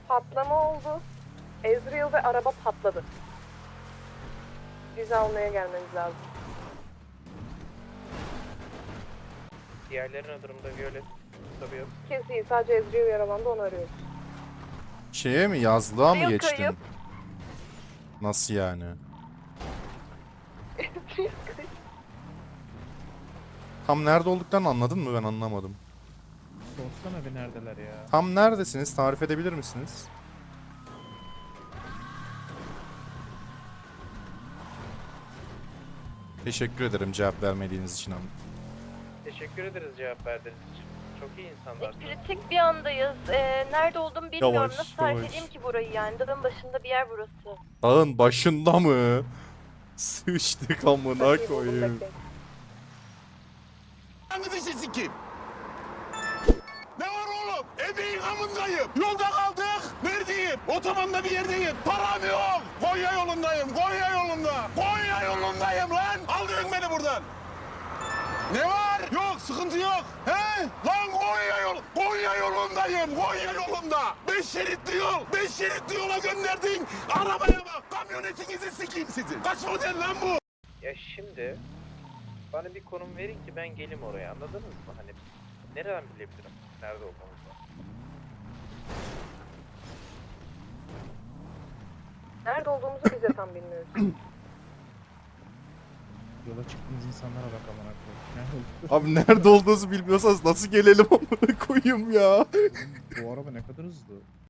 Patlama oldu. Ezreal ve araba patladı. Bizi almaya gelmeniz lazım. Diğerlerinin durumda Violet tabii yok. Kesin sadece Ezreal yaralandı, onu arıyoruz. Şeye mi, yazlığa mı Yok, geçtin? kayıp. Nasıl yani? Tam nerede olduklarını anladın mı? Ben anlamadım. Sorsana bir neredeler ya. Tam neredesiniz? Tarif edebilir misiniz? Teşekkür ederim cevap vermediğiniz için. Teşekkür ederiz cevap verdiğiniz için. Çok iyi insanlarsınız. Kritik bir andayız. Nerede olduğumu bilmiyorum. Yavaş, Nasıl tarif yavaş. edeyim ki burayı yani? Dağın başında bir yer burası. Dağın başında mı? Sıçtık amına Buldum, koyayım. bekleyin. Hangisi sikeyim? Ne var oğlum? Ebeğin amındayım. Yolda kaldık. Neredeyim? Otobanda bir yerdeyim. Param yok. Konya yolundayım. Konya yolunda. Konya yolundayım lan. Aldırın beni buradan. Ne var? Yok, sıkıntı yok. He? Lan Konya yolundayım. Konya yolunda. 5 şeritli yol. 5 şeritli yola gönderdin. Arabaya bak. Kamyonetinizi sikeyim sizin. Kaç model lan bu? Ya şimdi bana bir konum verin ki ben gelim oraya, anladınız mı? Hani nereden bilebilirim nerede olduğumuzu? Nerede olduğumuzu biz de tam bilmiyoruz. Yola çıktığımız insanlara bak amına koyayım. Nerede olduk? Abi nerede olduğunuzu bilmiyorsanız nasıl gelelim amına koyayım ya? Bu araba ne kadar hızlı.